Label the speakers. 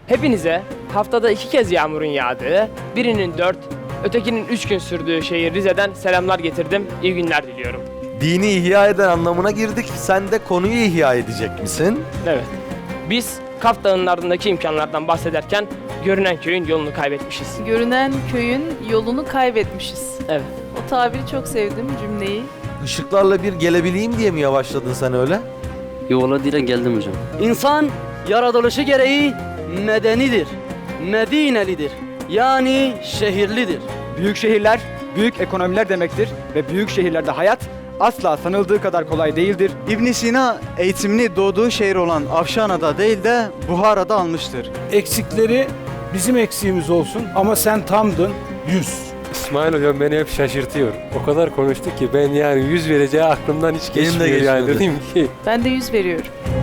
Speaker 1: Hepinize haftada 2 kez yağmurun yağdığı, birinin 4, ötekinin 3 gün sürdüğü şehir Rize'den selamlar getirdim. İyi günler diliyorum.
Speaker 2: Dini ihya eden anlamına girdik. Sen de konuyu ihya edecek misin?
Speaker 1: Evet. Biz Kaf Dağı'nın ardındaki imkanlardan bahsederken görünen köyün yolunu kaybetmişiz.
Speaker 3: Görünen köyün yolunu kaybetmişiz.
Speaker 1: Evet.
Speaker 3: O tabiri çok sevdim, cümleyi.
Speaker 2: Işıklarla bir gelebileyim diye mi yavaşladın sen öyle?
Speaker 4: Yola dile geldim hocam. İnsan yaratılışı gereği medenidir, medinelidir. Yani şehirlidir.
Speaker 5: Büyük şehirler, büyük ekonomiler demektir ve büyük şehirlerde hayat asla sanıldığı kadar kolay değildir.
Speaker 6: İbn Sina eğitimini doğduğu şehir olan Afşana'da değil de Buhara'da almıştır.
Speaker 7: Eksikleri bizim eksiğimiz olsun ama sen tamdın 100.
Speaker 8: İsmail hocam beni hep şaşırtıyor. O kadar konuştu ki ben yani 100 vereceği aklımdan hiç
Speaker 2: Benim de
Speaker 8: geçmiyor yani
Speaker 2: geçmedi.
Speaker 8: dedim ki.
Speaker 3: Ben de 100 veriyorum.